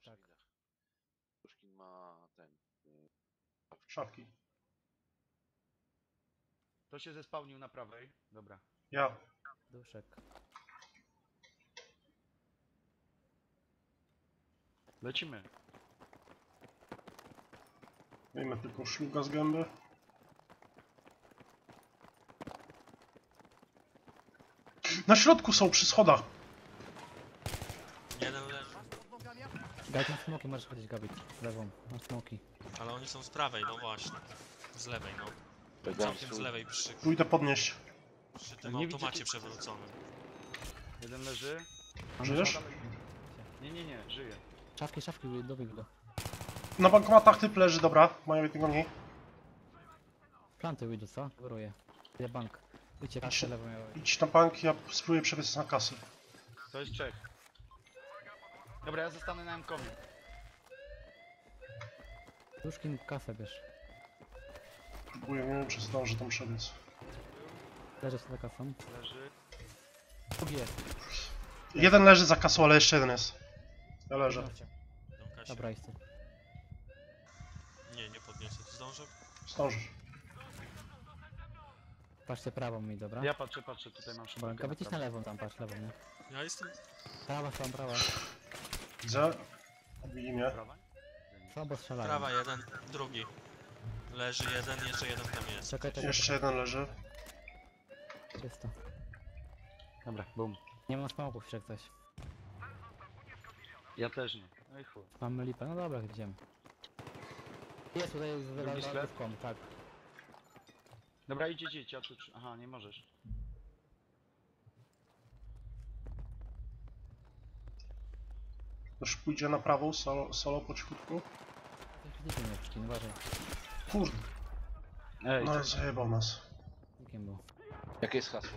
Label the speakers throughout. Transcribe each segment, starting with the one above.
Speaker 1: Tak.
Speaker 2: Puszkin ma ten...
Speaker 3: Szafki.
Speaker 4: To się zespałnił na prawej. Dobra.
Speaker 3: Ja.
Speaker 1: Duszek.
Speaker 4: Lecimy.
Speaker 3: Wyjmę tylko szluga z gęby. Na środku są przy schodach.
Speaker 5: Jeden leży,
Speaker 1: Gabit na smoki, możesz chodzić Gabit. Lewą, na smoki.
Speaker 5: ale oni są z prawej, no właśnie. Z lewej, no.
Speaker 2: Pedałem
Speaker 5: Całkiem z lewej przy
Speaker 3: Pójdę podnieść.
Speaker 5: tym
Speaker 4: Nie
Speaker 5: automacie
Speaker 4: widzicie-
Speaker 5: przewróconym.
Speaker 4: Jeden leży.
Speaker 3: Żyjesz?
Speaker 4: Nie, żyje.
Speaker 1: Szafki, dobieg go.
Speaker 3: Na bankomatach typ leży, dobra. Mają jednego mniej.
Speaker 1: Planty wyjdą, co? Wyruję. Idę bank. Idźcie kasę lewą miałem.
Speaker 3: Idź na bank, ja spróbuję przebiec na kasę.
Speaker 4: To jest Czech. Dobra, ja zostanę na M-komie.
Speaker 1: Duszkiem kasę bierz.
Speaker 3: Próbuję, nie wiem czy zdążę tam przebiec.
Speaker 1: Leżę za kasą.
Speaker 4: Leży.
Speaker 1: Drugi jest.
Speaker 3: Jeden leży za kasą, ale jeszcze jeden jest. Ja leżę.
Speaker 1: Podnoście.
Speaker 5: Idą Kasia.
Speaker 1: Dobra, jest.
Speaker 5: Nie podniosę. Ty zdążę?
Speaker 3: Zdążysz.
Speaker 1: Patrzcie prawą mi, dobra?
Speaker 4: Ja patrzę, tutaj mam
Speaker 1: Dobra,
Speaker 4: szybkę.
Speaker 1: Gabit idź na lewą tam, patrz lewą, nie?
Speaker 5: Ja jestem...
Speaker 1: Prawa.
Speaker 3: Widzę. Widzi mnie.
Speaker 4: Prawa?
Speaker 1: Słabo strzelają.
Speaker 5: Prawa jeden, drugi. Leży jeden, jeszcze jeden tam jest.
Speaker 1: Czekaj.
Speaker 3: Jeszcze jeden leży.
Speaker 1: Czysto.
Speaker 4: Dobra, bum.
Speaker 1: Nie mam smoków jeszcze ktoś.
Speaker 4: Ja też nie. No i chuj.
Speaker 1: Mamy lipę, no dobra, idziemy. Jest tutaj
Speaker 4: Drugi
Speaker 1: z
Speaker 4: sklep?
Speaker 1: lewką, tak.
Speaker 4: Dobra, idź, ja tu... Aha, nie możesz.
Speaker 3: Też pójdzie na prawą, solo po cichutku.
Speaker 1: Nikiem nie przyczyń, uważaj.
Speaker 3: Kurde,
Speaker 4: Ej,
Speaker 3: no zajebał nas.
Speaker 1: Nikiem był.
Speaker 2: Jakie jest hasło?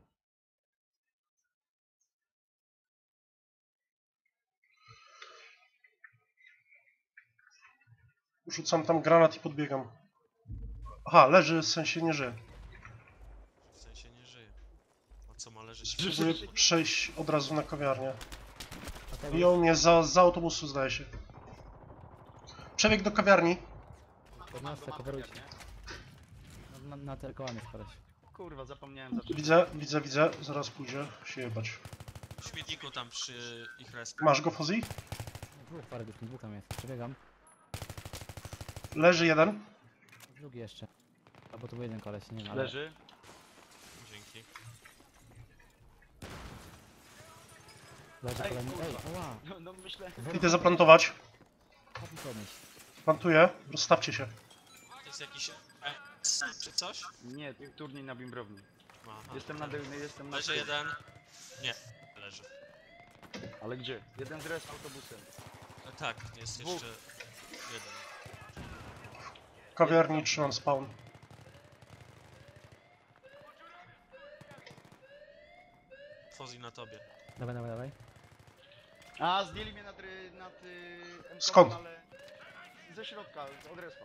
Speaker 3: Rzucam tam granat i podbiegam. Aha, leży, w sensie nie żyje.
Speaker 5: W sensie nie żyje. A co ma leżeć?
Speaker 3: Próbuję przejść od razu na kawiarnię.
Speaker 1: A to
Speaker 3: Biją mnie za autobusu, zdaje się. Przebieg do kawiarni.
Speaker 1: podniosę, coverujcie. Na te kołami spadać.
Speaker 4: kurwa, zapomniałem zacząć.
Speaker 3: Widzę. Zaraz pójdzie się jebać.
Speaker 5: W śmietniku tam przy ich respie.
Speaker 3: Masz go, Fozzy?
Speaker 1: Dwóch tam jest. Przebiegam.
Speaker 3: Leży jeden.
Speaker 1: Drugi jeszcze. Albo to był jeden koleś, nie wiem, ale...
Speaker 4: Leży.
Speaker 5: Dzięki.
Speaker 1: Leży
Speaker 4: Ej,
Speaker 1: kolejny.
Speaker 4: kurwa.
Speaker 1: Ej, oła!
Speaker 4: No myślę...
Speaker 3: Idę zaplantować.
Speaker 1: Chodź mi podnieść.
Speaker 3: Plantuję. Rozstawcie się.
Speaker 5: To jest jakiś... czy coś?
Speaker 4: Nie, turniej na bimbrowni.
Speaker 5: Aha.
Speaker 4: Jestem na... Jestem na...
Speaker 5: Leży jeden. Nie, leży.
Speaker 4: Ale gdzie? Jeden z res autobusem.
Speaker 5: Tak, jest
Speaker 4: Dwóch.
Speaker 5: jeszcze jeden.
Speaker 3: W kawiarni trzymam spawn.
Speaker 5: Fozzy na tobie.
Speaker 1: Dawaj.
Speaker 4: A, zdjęli mnie nad M-komem,
Speaker 3: Skąd?
Speaker 4: ale... Ze środka, od respa.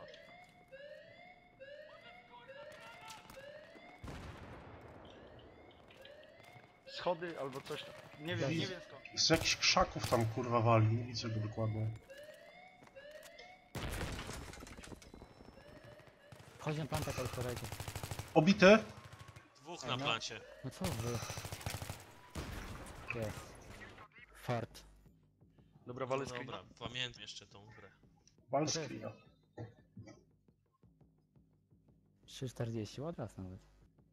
Speaker 4: Schody albo coś tam. Nie wiem skąd.
Speaker 3: Z jakichś krzaków tam kurwa wali. Nie widzę go dokładnie.
Speaker 1: Chodź na plantę, kolektorajcie.
Speaker 3: Obity.
Speaker 5: Dwóch
Speaker 1: Ej,
Speaker 5: na
Speaker 1: no.
Speaker 5: plancie.
Speaker 1: No co wy? Jest. Fart.
Speaker 4: Dobra,
Speaker 5: No
Speaker 4: walę
Speaker 5: dobra, pamiętam jeszcze tą grę.
Speaker 3: Wal screena.
Speaker 1: 3,40, od raz nawet.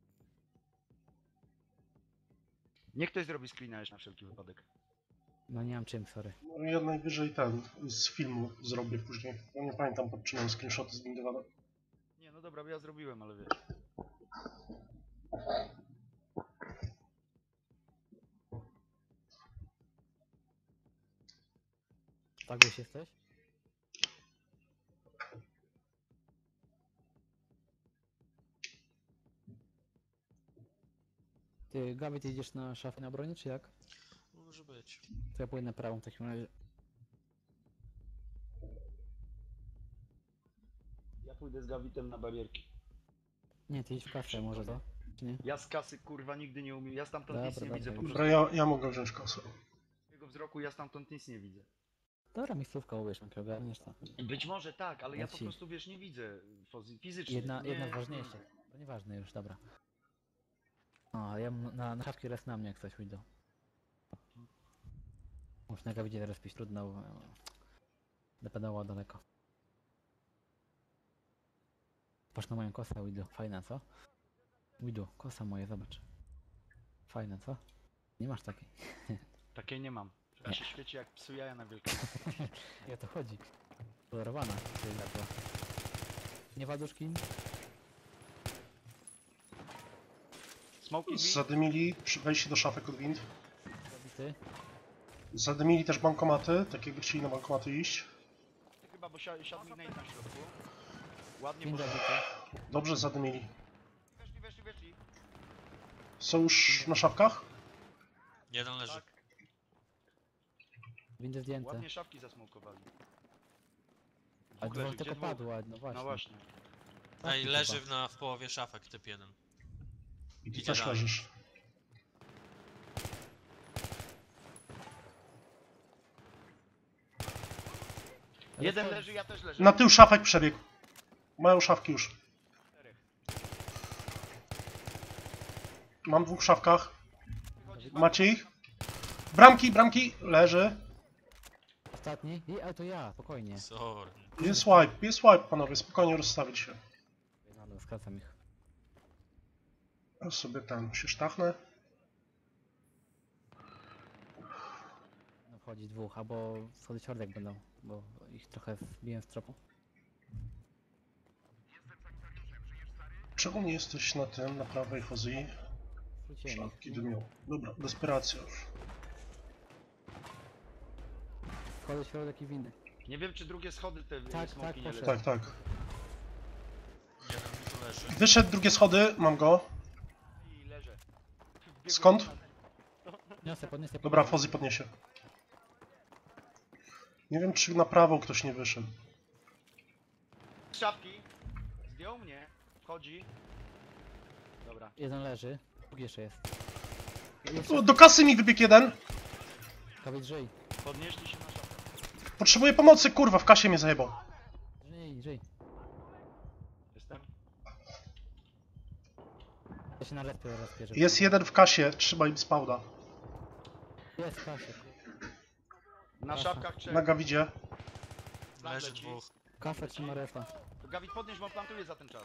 Speaker 4: Niech ktoś zrobi screena już na wszelki wypadek.
Speaker 1: No nie mam czym, sorry.
Speaker 3: No ja najwyżej ten z filmu zrobię później. Ja nie pamiętam pod czym mam screenshoty zbindowane.
Speaker 4: Nie, no dobra, bo ja zrobiłem, ale wiesz.
Speaker 1: Tak już jesteś? Ty, Gabi, ty idziesz na szafę na broni, czy jak?
Speaker 5: Może być.
Speaker 1: To ja pójdę na prawą w takim razie.
Speaker 4: Ja pójdę z Gawitem na barierki.
Speaker 1: Nie, ty idź w kasę może to? Czy nie?
Speaker 4: Ja z kasy kurwa nigdy nie umiem. Ja stamtąd nic
Speaker 1: Dobra,
Speaker 4: nie widzę po
Speaker 1: dobra.
Speaker 4: prostu.
Speaker 3: Dobra, ja mogę wziąć kasę.
Speaker 4: Z jego wzroku ja stamtąd nic nie widzę.
Speaker 1: Dobra, miejscówka, uwierz, jak ogarniesz to.
Speaker 4: Być może tak, ale ja po
Speaker 1: Leci.
Speaker 4: prostu, wiesz, nie widzę fizycznie.
Speaker 1: Jedna
Speaker 4: nie,
Speaker 1: ważniejsza. To nieważne już, dobra. O, ja na szafki raz na mnie jak coś wyjdą. Muszę na gawidzie teraz pić trudno, bo... Dopedało daleko. Patrz na moją kosę, Widu. Fajna, co? Widu, kosa moja, zobacz. Fajna, co? Nie masz takiej.
Speaker 4: Takiej nie mam. Ja się świeci jak psu jaja na wielkość.
Speaker 1: I o to chodzi. Kolorowana. Czyli była. Nie waduszki?
Speaker 4: Smoki drzwi?
Speaker 3: Zadymili przy wejściu do szafek od wind.
Speaker 1: Zabity.
Speaker 3: Zadymili też bankomaty, tak jakby chcieli na bankomaty iść.
Speaker 4: Chyba, bo siadł mi Nate na środku. Ładnie
Speaker 1: Wind
Speaker 4: poszedł.
Speaker 1: zabity.
Speaker 3: Dobrze zadymili.
Speaker 4: Weszli.
Speaker 3: Są już na szafkach?
Speaker 5: Jeden leży.
Speaker 4: Tak,
Speaker 1: Windy zdjęte.
Speaker 4: ładnie szafki zasmokowali.
Speaker 1: A
Speaker 4: Dwóch
Speaker 1: dwóch
Speaker 4: leży,
Speaker 1: tylko
Speaker 4: gdzie dwóch?
Speaker 1: padło, no właśnie.
Speaker 4: No właśnie.
Speaker 5: Ej,
Speaker 1: Taki
Speaker 5: leży
Speaker 1: chyba.
Speaker 5: w połowie szafek typ 1.
Speaker 3: I ty
Speaker 5: Idzie
Speaker 3: też
Speaker 5: dalej.
Speaker 3: leżysz.
Speaker 1: Ale
Speaker 4: Jeden
Speaker 1: to-
Speaker 4: leży, ja też leżę.
Speaker 3: Na tył szafek przebiegł. Mają szafki już. Mam dwóch w szafkach.
Speaker 4: Wychodzi z
Speaker 3: Macie ich? Bramki, leży.
Speaker 1: Ostatni? Ale to ja, spokojnie.
Speaker 5: Sorry.
Speaker 3: Jest wipe panowie, spokojnie rozstawić się.
Speaker 1: No, skracam ich.
Speaker 3: Ja sobie ten się sztachnę.
Speaker 1: No wchodzi dwóch, albo schody środek będą, bo ich trochę wbiłem z tropu.
Speaker 3: Czemu nie jesteś na tym, na prawej Hozji?
Speaker 1: Wróciłem
Speaker 3: Szafki
Speaker 1: ich.
Speaker 3: dymią. Dobra, desperacja już.
Speaker 1: Schody środek i windy.
Speaker 4: Nie wiem, czy drugie schody te
Speaker 1: Tak,
Speaker 4: smoki
Speaker 1: tak,
Speaker 4: nie
Speaker 1: poszedł.
Speaker 4: lecą.
Speaker 3: Tak.
Speaker 5: Jeden mi tu leży.
Speaker 3: Wyszedł drugie schody, mam go.
Speaker 4: I leżę. Wbiegłem
Speaker 3: Skąd?
Speaker 4: na-
Speaker 1: Podniosę.
Speaker 3: Dobra, Hozji podniesie. Nie wiem, czy na prawo ktoś nie wyszedł.
Speaker 4: Z szafki. Zdjął mnie. Wchodzi. Dobra.
Speaker 1: Jeden leży, drugi jeszcze jest.
Speaker 3: O, do kasy mi wybiegł jeden.
Speaker 1: Kawit, żyj.
Speaker 4: Podnieśli się na szafkę.
Speaker 3: Potrzebuję pomocy, kurwa, w kasie mnie zajebał.
Speaker 1: Żyj.
Speaker 4: Jestem.
Speaker 1: Ja się na respie rozpierzę.
Speaker 3: Jest jeden w kasie, trzymaj im spawna.
Speaker 1: Jest kasie.
Speaker 4: Na
Speaker 1: Aha.
Speaker 4: szafkach trzech.
Speaker 3: Na gawidzie.
Speaker 4: Plan
Speaker 5: Leży
Speaker 4: leci.
Speaker 5: dwóch.
Speaker 1: Kafe trzyma refa.
Speaker 4: To Gawit podnieś, bo plantuję za ten czas.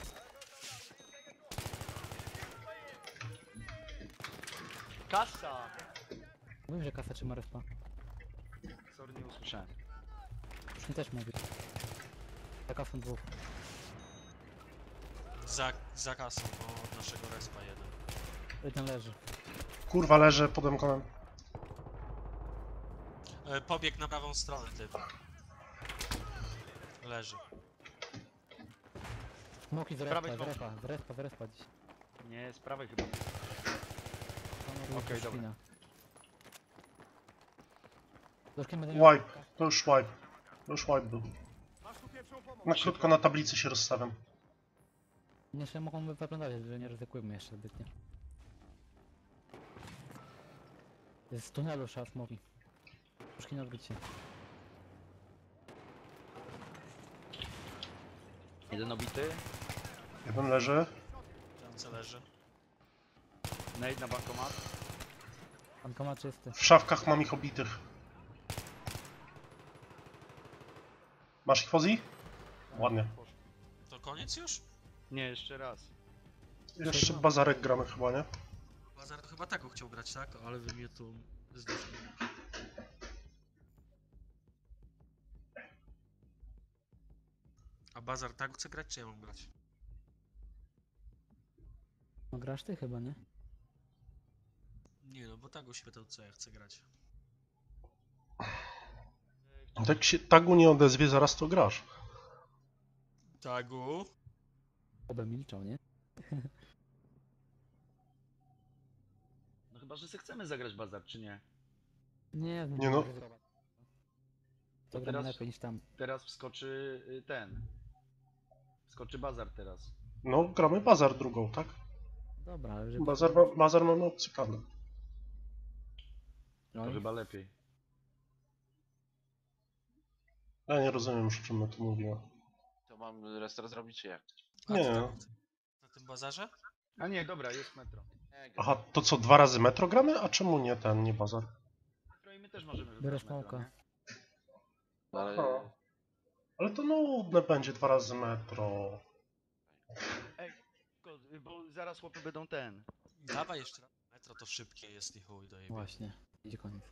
Speaker 4: Kasa!
Speaker 1: Mówię, że kafe trzyma refa.
Speaker 4: Sorry, nie usłyszałem.
Speaker 1: Już mi też mówi. Za kafą dwóch.
Speaker 5: Za kasą, bo od naszego respa jeden.
Speaker 1: Jeden leży.
Speaker 3: Kurwa, leżę pod emkonem.
Speaker 5: Pobiegł na prawą stronę typ. Leży.
Speaker 1: Smoki z
Speaker 4: Prawej
Speaker 1: respa,
Speaker 4: smoki.
Speaker 1: z respa dziś.
Speaker 4: Nie, z prawej chyba. Okej, dobra.
Speaker 3: Wipe, to już wipe. To już wipe był. Na krótko na tablicy się rozstawiam.
Speaker 1: Jeszcze mogą wyglądać, że nie ryzykujmy jeszcze zbytnio. Jest z tunelu trzeba smoki. Troszkę nie odbyć się.
Speaker 4: Jeden obity.
Speaker 3: Jeden leży.
Speaker 5: Ręce leży.
Speaker 4: Nade na bankomat.
Speaker 1: Bankomat czysty.
Speaker 3: W szafkach mam ich obitych. Masz ich Fozji? Ładnie.
Speaker 5: To koniec już?
Speaker 4: Nie, jeszcze raz.
Speaker 3: Jeszcze bazarek gramy chyba, nie?
Speaker 5: Bazar to chyba taką chciał grać, tak? Ale wy mnie tu zdechnęli. A Bazar tak chce grać, czy ja mam grać?
Speaker 1: No grasz ty chyba, nie?
Speaker 5: Nie no, bo tak się pytał, co ja chcę grać.
Speaker 3: Jak się tagu nie odezwie, zaraz to grasz.
Speaker 5: Tagu?
Speaker 1: Obę milczał, nie?
Speaker 4: No chyba, że sobie chcemy zagrać bazar, czy nie?
Speaker 1: Nie,
Speaker 3: Nie no.
Speaker 1: To gramy
Speaker 4: teraz-
Speaker 1: lepiej niż tam.
Speaker 4: Teraz wskoczy ten. Wskoczy bazar teraz.
Speaker 3: No, gramy bazar drugą, tak?
Speaker 1: Dobra, ale że...
Speaker 3: Bazar mamy opcję karne.
Speaker 1: No
Speaker 4: To
Speaker 1: i
Speaker 4: chyba lepiej.
Speaker 3: Ja nie rozumiem już, o czym my tu mówimy.
Speaker 2: To mam restart zrobić czy jak?
Speaker 5: A
Speaker 3: Nie.
Speaker 5: ty tam na tym bazarze?
Speaker 4: A nie, dobra, jest metro.
Speaker 2: Nie,
Speaker 3: Aha, to co, 2 razy metro gramy? A czemu nie ten, nie bazar?
Speaker 4: Metro i my też możemy
Speaker 1: Biorę
Speaker 4: wybrać metro,
Speaker 1: smoka.
Speaker 4: nie?
Speaker 2: ale
Speaker 3: Aha. Ale to nudne będzie 2 razy metro.
Speaker 4: Bo zaraz chłopy będą ten.
Speaker 5: Dawaj jeszcze raz. Metro to szybkie jest i chuj dojebie.
Speaker 1: Właśnie. Idzie koniec.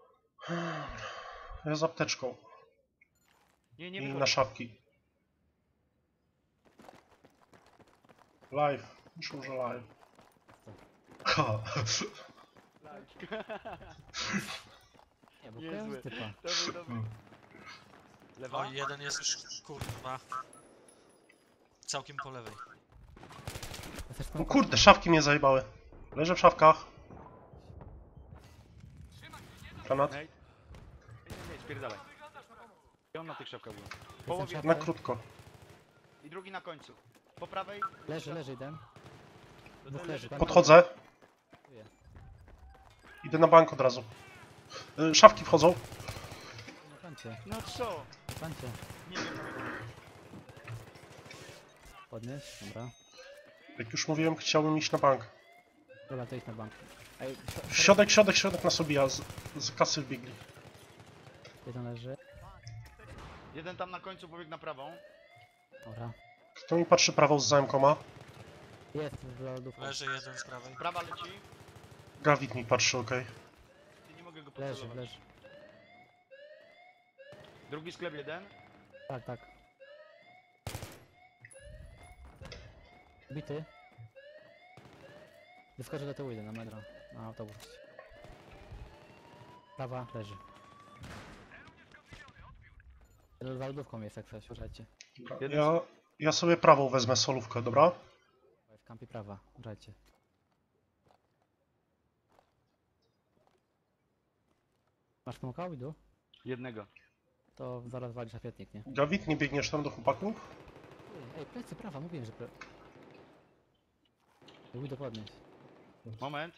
Speaker 3: Ja z apteczką.
Speaker 4: Nie, nie
Speaker 3: I na
Speaker 4: wychodź.
Speaker 3: szafki. Live. Myślę, że live. Ha.
Speaker 1: Nie, bo
Speaker 4: Niezłe.
Speaker 1: kojarzy typa.
Speaker 4: To był dobry. Lewa?
Speaker 5: O, jeden jest już, kurwa. Całkiem po lewej.
Speaker 1: Ja też
Speaker 3: O
Speaker 1: smoka.
Speaker 3: kurde, szafki mnie zajebały. Leżę w szafkach. Granat.
Speaker 4: Nate? Nie, spierdalaj. I on na tych szafkach był.
Speaker 1: Jestem
Speaker 4: Połowie
Speaker 1: szafka.
Speaker 3: Na krótko.
Speaker 4: i drugi na końcu. Po prawej.
Speaker 1: Leży jeden.
Speaker 4: To
Speaker 1: Dwóch
Speaker 4: ten
Speaker 1: leży.
Speaker 4: tam.
Speaker 3: Podchodzę. Idę na bank od razu. Szafki wchodzą.
Speaker 1: Na plancie.
Speaker 4: No co?
Speaker 1: Na plancie.
Speaker 4: Nie wiem.
Speaker 1: Podnieś. Dobra.
Speaker 3: Jak już mówiłem, chciałbym iść na bank.
Speaker 1: Dobra, to idź na bank. Ej,
Speaker 3: Środek nas obija. Z kasy wbiegli.
Speaker 1: jeden leży.
Speaker 4: Jeden tam na końcu pobiegł na prawą.
Speaker 1: Dobra.
Speaker 3: Kto mi patrzy prawą z zamkoma?
Speaker 1: Jest w lodówce.
Speaker 5: Leży jeden z prawej.
Speaker 4: Prawa leci.
Speaker 3: Gawit mi patrzy, okej.
Speaker 4: Ty nie mogę go
Speaker 1: Leży,
Speaker 4: pocelować.
Speaker 1: leży.
Speaker 4: Drugi sklep jeden.
Speaker 1: Tak, tak. Bity. Wyskoczę do tyłu, idę na metro. Na autobus. Prawa, leży. Za lodówką jest jak coś, uważajcie.
Speaker 4: Jeden
Speaker 3: Ja sobie prawą wezmę solówkę, dobra?
Speaker 1: W kampie prawa, uważajcie. Masz smoka, Widu?
Speaker 4: Jednego.
Speaker 1: To zaraz walisz afietnik, nie?
Speaker 3: Gawit, nie biegniesz tam do chłopaków?
Speaker 1: Ej, plecy prawa, mówiłem, że Widu podnieść.
Speaker 4: Moment.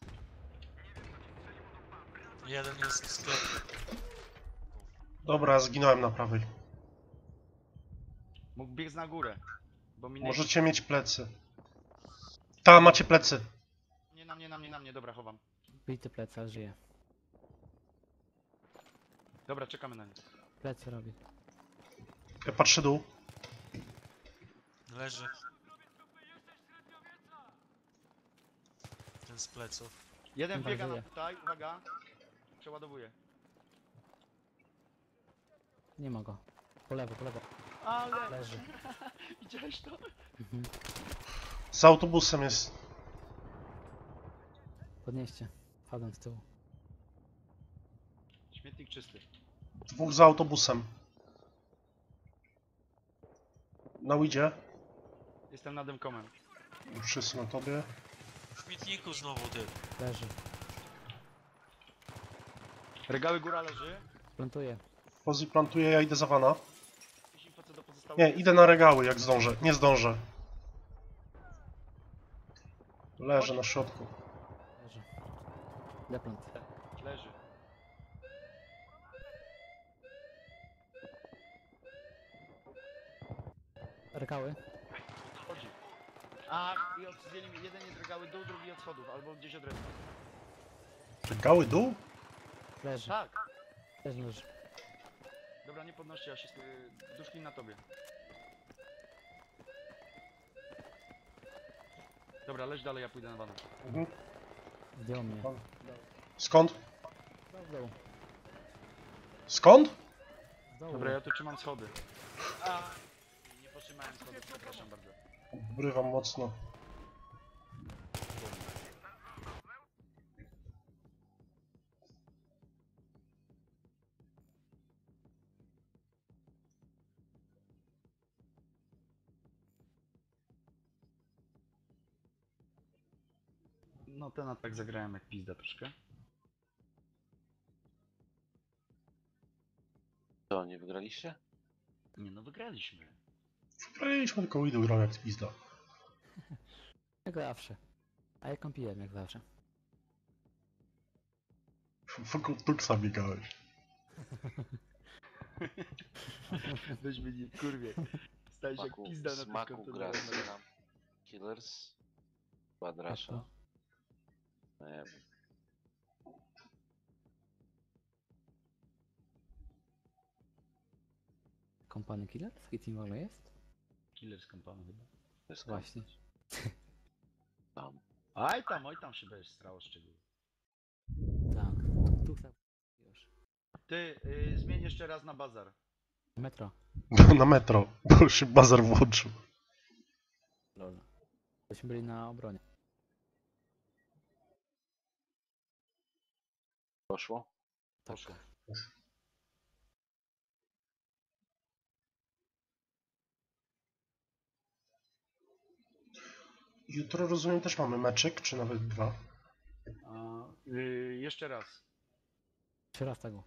Speaker 5: Jeden jest w sklepie.
Speaker 3: Dobra, zginąłem na prawej.
Speaker 4: Mógł biec na górę. Bo mi
Speaker 3: Możecie mieć plecy. Ta, macie plecy.
Speaker 4: Nie na mnie, dobra, chowam.
Speaker 1: Bity plecy, ale żyje.
Speaker 4: Dobra, czekamy na nie.
Speaker 1: Plecy robi.
Speaker 3: Ja patrzę dół.
Speaker 5: Leży. Ten z pleców.
Speaker 4: Jeden
Speaker 1: Chyba
Speaker 4: biega na
Speaker 1: żyje.
Speaker 4: tutaj, uwaga. Przeładowuję.
Speaker 1: Nie ma go. Po lewo, po lewo.
Speaker 4: Ale!
Speaker 1: Leży.
Speaker 4: Widziałeś to?
Speaker 1: Mhm.
Speaker 3: Z autobusem jest.
Speaker 1: Podnieście. Wchodzę z tyłu.
Speaker 4: Śmietnik czysty.
Speaker 3: Dwóch za autobusem. Na Widzie.
Speaker 4: Jestem nad Demkomem.
Speaker 3: Już wszyscy na tobie.
Speaker 5: W śmietniku znowu ty.
Speaker 1: Leży.
Speaker 4: Regały góra leży.
Speaker 1: Plantuję.
Speaker 3: Pozy plantuje, ja idę za wana.
Speaker 4: Jakieś info co do pozostałych?
Speaker 3: Nie, idę na regały jak zdążę. Nie zdążę. Leżę na środku.
Speaker 1: Leży. Deplant.
Speaker 4: Leży.
Speaker 1: Rekały.
Speaker 4: Chodzi. A, i zdjęli mi. Jeden jest regały dół, drugi od schodów, albo gdzieś od reszty.
Speaker 3: Regały dół?
Speaker 1: Leży.
Speaker 4: Tak.
Speaker 1: Też leży.
Speaker 4: Dobra, nie podnoście, ja się duszki na tobie. Dobra, leć dalej, ja pójdę na wanę.
Speaker 3: Mhm.
Speaker 1: Zdjął mnie.
Speaker 3: Skąd?
Speaker 1: W dół.
Speaker 3: Skąd?
Speaker 1: Z dołu.
Speaker 4: Dobra, ja tu trzymam schody. A, nie potrzymałem schodów, przepraszam bardzo.
Speaker 3: Obrywam mocno.
Speaker 4: No ten atak zagrałem jak pizda troszkę.
Speaker 2: To, nie wygraliście?
Speaker 4: Nie no, wygraliśmy.
Speaker 3: Wpraliśmy tylko Widu grał jak pizda.
Speaker 1: Jak zawsze. A ja kąpiłem jak zawsze.
Speaker 3: Wokół Tuksa biegałeś.
Speaker 4: Weź mnie nie kurwie. Stajesz jak
Speaker 2: Smaku,
Speaker 4: pizda na tym
Speaker 2: smaku gra
Speaker 4: kontenerze.
Speaker 2: nam. Killers. Quadrasza. Nie wiem.
Speaker 1: Kompany Killer? Taki team w ogóle jest?
Speaker 4: Killer z kampanu chyba.
Speaker 2: To jest
Speaker 1: Właśnie.
Speaker 2: tam.
Speaker 4: Oj tam się będziesz strało szczegóły.
Speaker 1: Tak. Tu chcę. Już.
Speaker 4: Ty, zmień jeszcze raz na bazar.
Speaker 1: Metro.
Speaker 3: Na metro, bo się bazar włączył.
Speaker 1: Lol. Byśmy byli na obronie.
Speaker 2: Poszło?
Speaker 1: Tak.
Speaker 4: Poszło.
Speaker 3: Jutro rozumiem też mamy meczek, czy nawet dwa.
Speaker 4: A, jeszcze raz.
Speaker 1: 3 razy tego.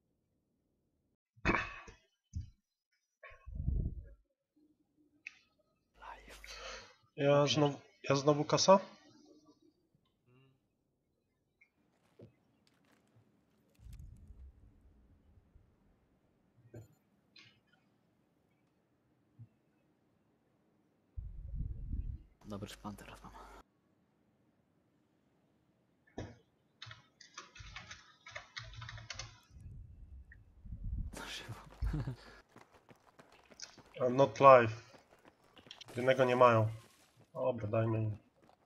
Speaker 1: Live.
Speaker 3: Ja znowu kasa?
Speaker 1: Dobry szpan teraz mam. Na żywo.
Speaker 3: Not live. Jednego nie mają. Dobra, dajmy im.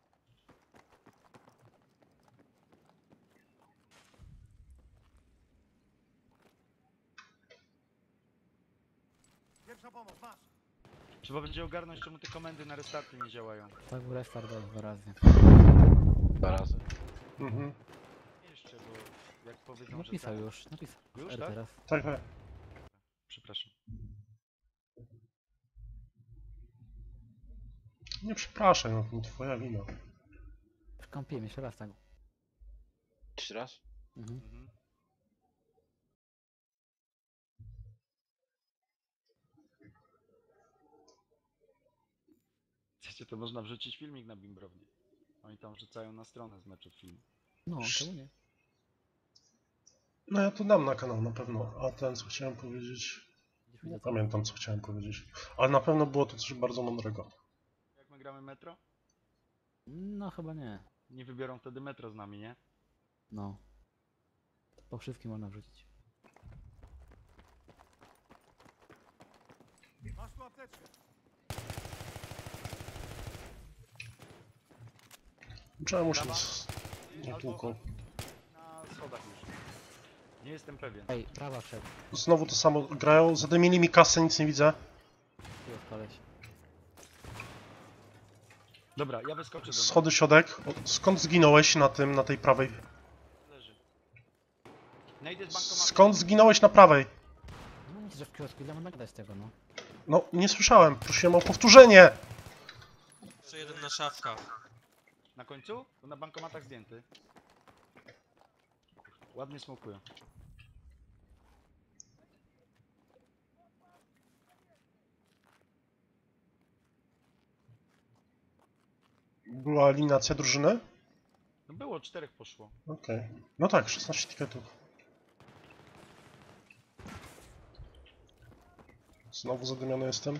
Speaker 4: Trzeba będzie ogarnąć, czemu te komendy na restarty nie działają.
Speaker 1: Tak był restart dał 2 razy.
Speaker 2: 2 razy.
Speaker 3: Mhm.
Speaker 4: Jeszcze, bo jak powiedzą,
Speaker 1: Napisał
Speaker 4: że tak.
Speaker 1: już, napisał.
Speaker 4: Już,
Speaker 1: R
Speaker 4: tak?
Speaker 1: teraz.
Speaker 3: Tak, tak.
Speaker 4: Przepraszam.
Speaker 3: Nie przepraszaj, no to nie twoja wina.
Speaker 1: Kąpiłem jeszcze raz tak.
Speaker 2: 3 raz?
Speaker 1: Mhm.
Speaker 4: Mhm. Chcecie, to można wrzucić filmik na Bimbrownię. Oni tam wrzucają na stronę z meczu film.
Speaker 1: No, czemu nie?
Speaker 3: No ja to dam na kanał na pewno, a ten co chciałem powiedzieć...
Speaker 1: Gdzieś
Speaker 3: Nie
Speaker 1: widzę,
Speaker 3: pamiętam co chciałem powiedzieć. Ale na pewno było to coś bardzo mądrego.
Speaker 4: Jak my gramy metro?
Speaker 1: No chyba nie.
Speaker 4: Nie wybiorą wtedy metro z nami, nie?
Speaker 1: No. Po wszystkim można wrzucić.
Speaker 3: Czemu się
Speaker 4: Brawa.
Speaker 3: nie tłuką?
Speaker 4: Na schodach już. Nie jestem pewien.
Speaker 1: Ej, prawa wszedł.
Speaker 3: Znowu to samo grają, zadymili mi kasę, nic nie widzę.
Speaker 1: Tu jest koleś.
Speaker 4: Dobra, ja wyskoczę do
Speaker 3: Schody środek. Skąd zginąłeś na tym, na tej prawej?
Speaker 4: was. Leży. Najdę z bankomatu.
Speaker 3: Skąd zginąłeś na prawej?
Speaker 1: No nic, że w kiosku, ile można gadać tego, no.
Speaker 3: No, nie słyszałem, prosiłem o powtórzenie!
Speaker 5: Jeszcze jeden na szafkach.
Speaker 4: Na końcu? Bo na bankomatach zdjęty. Ładnie smokują.
Speaker 3: Była eliminacja drużyny?
Speaker 4: No było, 4 poszło.
Speaker 3: Okej. No tak, 16 tiketów. Znowu zadymiony jestem.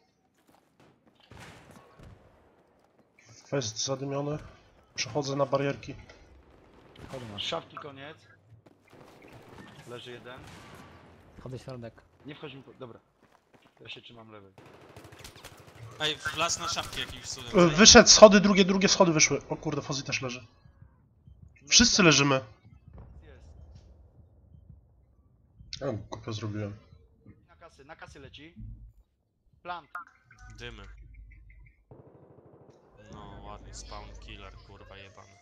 Speaker 3: Fest zadymiony. Przechodzę na barierki.
Speaker 1: Schody masz.
Speaker 4: Szafki koniec. Leży jeden.
Speaker 1: Schody środek.
Speaker 4: Nie wchodź mi po... Dobra. Ja się trzymam lewej.
Speaker 5: Ej, wlazł na szafki jakimś cudem.
Speaker 3: Wyszedł schody, drugie schody wyszły. O kurde, Fozzy też leży. Wszyscy leżymy.
Speaker 4: Jest.
Speaker 3: Ja głupio zrobiłem.
Speaker 4: Na kasy leci. Plant.
Speaker 5: Dymy. No, ładnie, spawn killer, kurwa jebany.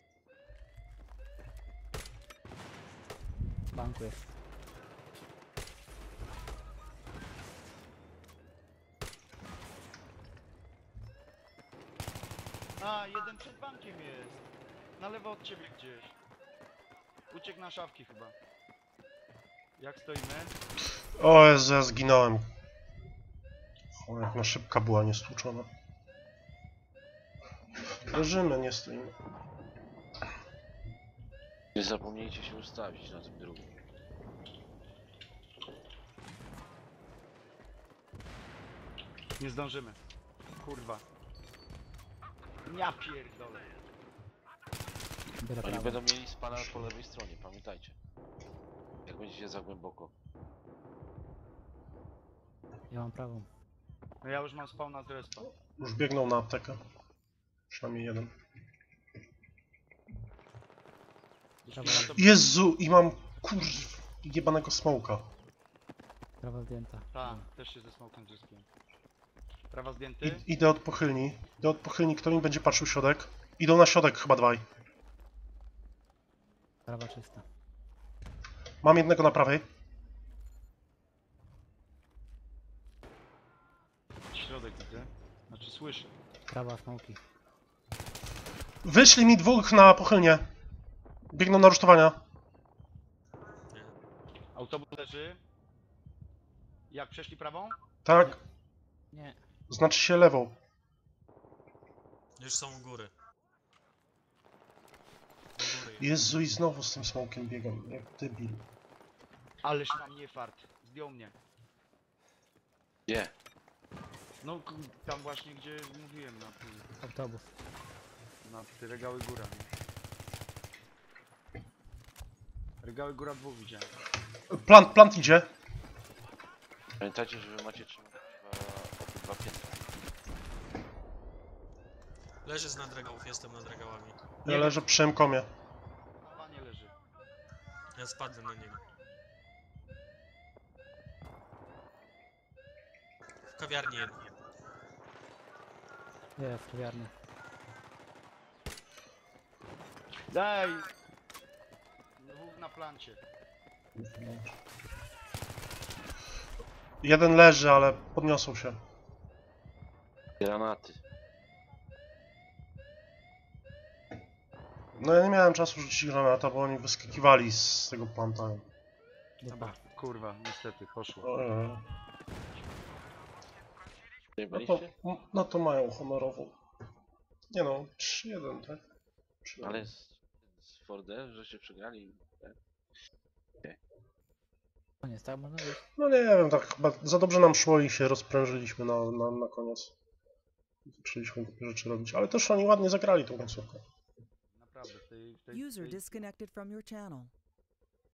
Speaker 1: W banku jest.
Speaker 4: A, jeden przed bankiem jest. Na lewo od ciebie gdzieś. Uciekł na szafki chyba. Jak stoimy?
Speaker 3: O Jezu, ja zginąłem. O, jak na szybka była niestłuczona. Leżymy, nie stoimy.
Speaker 2: Nie zapomnijcie się ustawić na tym drugim.
Speaker 4: Nie zdążymy. Kurwa. Ja pierdolę.
Speaker 1: Biorę
Speaker 2: Oni
Speaker 1: prawo.
Speaker 2: będą mieli spana po lewej stronie, pamiętajcie. Jak będziecie za głęboko.
Speaker 1: Ja mam prawą.
Speaker 4: No ja już mam spawna z respa.
Speaker 3: Już biegną na aptekę. Przynajmniej jeden.
Speaker 4: Jeśli ma to...
Speaker 3: Jezu, i mam jebanego smoka.
Speaker 1: Prawa zdjęta.
Speaker 4: Ta, też się ze smokiem zyskiłem. Prawa zdjęty.
Speaker 3: Idę od pochylni. Idę od pochylni, kto mi będzie patrzył środek? Idą na środek chyba dwaj.
Speaker 1: Prawa czysta.
Speaker 3: Mam jednego na prawej.
Speaker 4: Środek widzę. Znaczy słyszę.
Speaker 1: Prawa smoki.
Speaker 3: Wyszli mi dwóch na pochylnie. Biegną na rusztowania.
Speaker 5: Nie.
Speaker 4: Autobus leży. Jak przeszli prawą?
Speaker 3: Tak?
Speaker 1: Nie.
Speaker 3: Znaczy się lewą.
Speaker 5: Już są u góry. U góry.
Speaker 3: Jezu, i znowu z tym smokiem biegam. Jak debil.
Speaker 4: Ależ tam nie fart. Zdjął mnie.
Speaker 2: Gdzie?
Speaker 4: No tam właśnie gdzie mówiłem
Speaker 1: Autobus.
Speaker 4: na te regały góra. Nie? Regały góra dwóch widziałem.
Speaker 3: Plant idzie.
Speaker 2: Pamiętajcie, że wy macie trzymać obydwa piętra.
Speaker 5: Leży z nadregałów, jestem nad regałami.
Speaker 3: Ja leżę przy M-komie.
Speaker 4: Na wanie leży.
Speaker 5: Ja spadłem na niego. W kawiarni jeden.
Speaker 1: Jest, kawiarnia.
Speaker 4: Daj! Dwóch na plancie.
Speaker 3: Jeden leży, ale podniosą się.
Speaker 2: Granaty.
Speaker 3: No ja nie miałem czasu rzucić granata, bo oni wyskakiwali z tego planta.
Speaker 4: Dobra, kurwa, niestety, poszło.
Speaker 3: No to,
Speaker 2: Zajebaliście?
Speaker 3: no to mają honorową. Nie no, 3-1, tak? 3-1.
Speaker 2: Ale z Fordem, że się przegrali.
Speaker 1: Koniec, tak można być.
Speaker 3: No nie wiem, tak chyba za dobrze nam szło i się rozprężyliśmy na koniec. Zaczęliśmy głupie rzeczy robić, ale też oni ładnie zagrali tą końcówkę.
Speaker 4: Naprawdę, w tej
Speaker 6: User disconnected from your channel.